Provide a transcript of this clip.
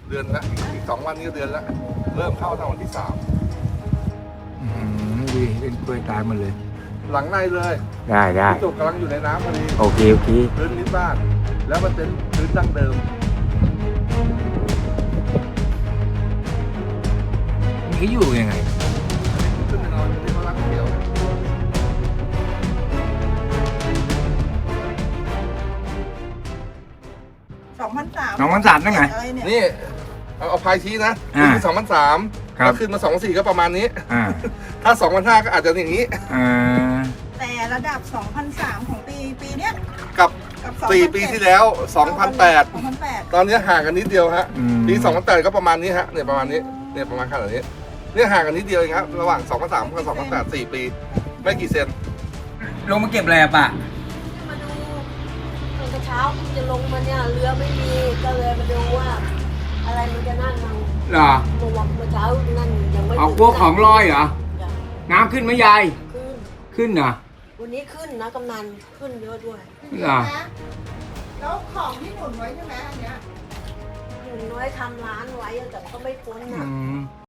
เดือนละอีก2 วันนี้ก็เดือนละเริ่มเข้าตั้งวันที่3 ดีเป็นกล้วยตายหมดเลยหลังในเลยได้ได้พี่จุกกำลังอยู่ในน้ำพอดีโอเคโอเคพื้นนิดบ้านแล้วมันเป็นพื้นดั้งเดิมนี่อยู่ยังไงขึ้นไปนอนที่เขารักเดียว 2,300 น้องวันสามนั่นไงอะไรเนี่ยนี่เอาพายชี้นะอ่าขึ้น2,300 ครับถ้าขึ้นมา2,400ก็ประมาณนี้อ่าถ้า2,500ก็อาจจะอย่างนี้อ่าแต่ระดับ 2,300 ของปีเนี้ยกับกับ 4 ปีที่แล้ว 2,800 2,800 ตอนนี้ห่างกันนิดเดียวฮะอืมปี2,800ก็ประมาณนี้ฮะเนี่ยประมาณนี้เนี่ยประมาณขนาดนี้เนี่ยห่างกันนิดเดียวเองครับระหว่าง2,300กับ2,800 4 ปีไม่กี่เซนลงมาเก็บอะไรอะป่ะมาดูตอนเช้าคุณจะลงมาเนี่ยเรือไม่มีก็เลยมาดูว่า อะไรมันจะนั่นมั่งเหรอเมื่อเช้านั่นยังไม่เอาพวกของลอยเหรอจ้ะน้ำขึ้นไหมยายขึ้นขึ้นเหรอวันนี้ขึ้นนะกำนันขึ้นเยอะด้วยเหรอแล้วของที่หนุนไว้ใช่ไหมอันเนี้ยหนูน้อยทำร้านไว้แต่ก็ไม่พ้นอือ่ะม